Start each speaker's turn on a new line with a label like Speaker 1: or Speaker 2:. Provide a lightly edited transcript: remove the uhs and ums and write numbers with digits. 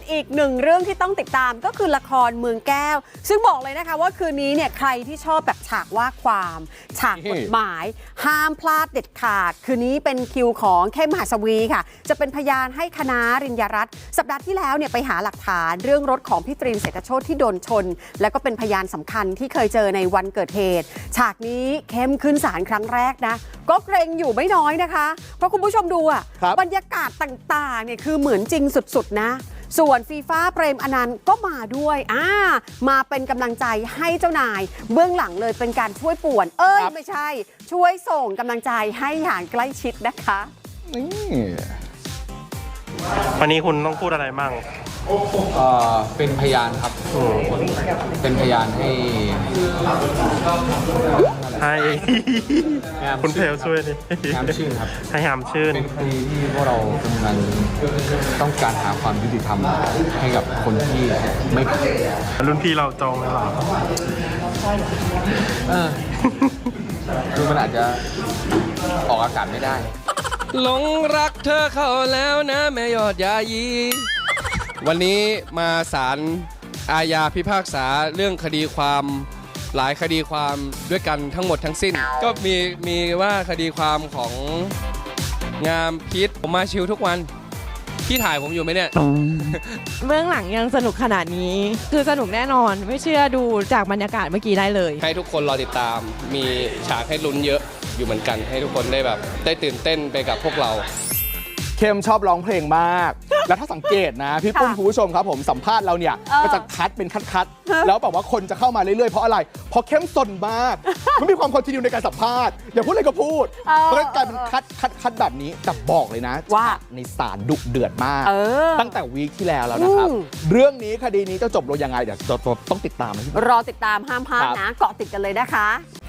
Speaker 1: อีกหนึ่งเรื่องที่ต้องติดตามก็คือละครเมืองแก้วซึ่งบอกเลยนะคะว่าคืนนี้เนี่ยใครที่ชอบแบบฉากว่าความฉากกฎหมายห้ามพลาดเด็ดขาดคืนนี้เป็นคิวของเข้มหัสวีค่ะจะเป็นพยานให้คณะริญญารัตน์สัปดาห์ที่แล้วเนี่ยไปหาหลักฐานเรื่องรถของพี่ตรีนเศรษฐโชติที่โดนชนและก็เป็นพยานสำคัญที่เคยเจอในวันเกิดเหตุฉากนี้เข้มขึ้นศาลครั้งแรกนะก็เกรงอยู่ไม่น้อยนะคะเพราะคุณผู้ชมดูอะบรรยากาศต่างๆเนี่ยคือเหมือนจริงสุดๆนะส่วนฟีฟ้าเปรมอนันต์ก็มาด้วยมาเป็นกำลังใจให้เจ้านายเบื้องหลังเลยเป็นการช่วยป่วนไม่ใช่ช่วยส่งกำลังใจให้อย่างใกล้ชิดนะคะ
Speaker 2: วันนี้คุณต้องพูดอะไรบ้าง
Speaker 3: เป็นพยานครับเป็นพยานให้
Speaker 2: คุณเพลช่วยดิ
Speaker 3: ยามชื่นครับ
Speaker 2: ให้ยามชื่น
Speaker 3: เป็นคดีที่พวกเรากำลังต้องการหาความยุติธรรมให้กับคนที่ไม่ผิด
Speaker 2: รุ่นพี่เราจองเลยหรอ
Speaker 3: คือมันอาจจะออกอากาศไม่ได้
Speaker 4: หลงรักเธอเข้าแล้วนะแม่ยอดยายีวันนี้มาศาลอาญาพิพากษาเรื่องคดีความหลายคดีความด้วยกันทั้งหมดทั้งสิ้นก็มีว่าคดีความของงามพิษผมมาชิลทุกวันพี่ถ่ายผมอยู่ไหมเนี่ย
Speaker 5: เบื้องหลังยังสนุกขนาดนี้คือสนุกแน่นอนไม่เชื่อดูจากบรรยากาศเมื่อกี้ได้เลย
Speaker 4: ให้ทุกคนรอติดตามมีฉากให้ลุ้นเยอะอยู่เหมือนกันให้ทุกคนได้แบบได้ตื่นเต้นไปกับพวกเรา
Speaker 6: เข้มชอบร้องเพลงมากแล้วถ้าสังเกตนะพี่ปุ้มคุณผู้ชมครับผมสัมภาษณ์เราเนี่ยก็จะคัดเป็นคัดแล้วแบบว่าคนจะเข้ามาเรื่อยๆเพราะอะไรเพราะเข้มสนมากไม่มีความคอนทินิวในการสัมภาษณ์อย่าพูดอะไรก็พูดเพราะฉะนั้นกลายเป็นคัดแบบนี้แต่บอกเลยนะว่าในศาลดุเดือดมากตั้งแต่วีคที่แล้วนะครับเรื่องนี้คดีนี้จะจบลงยังไงเดี๋ยวต้องติดตาม
Speaker 1: รอติดตามห้ามพลาดนะเกาะติดกันเลยนะคะ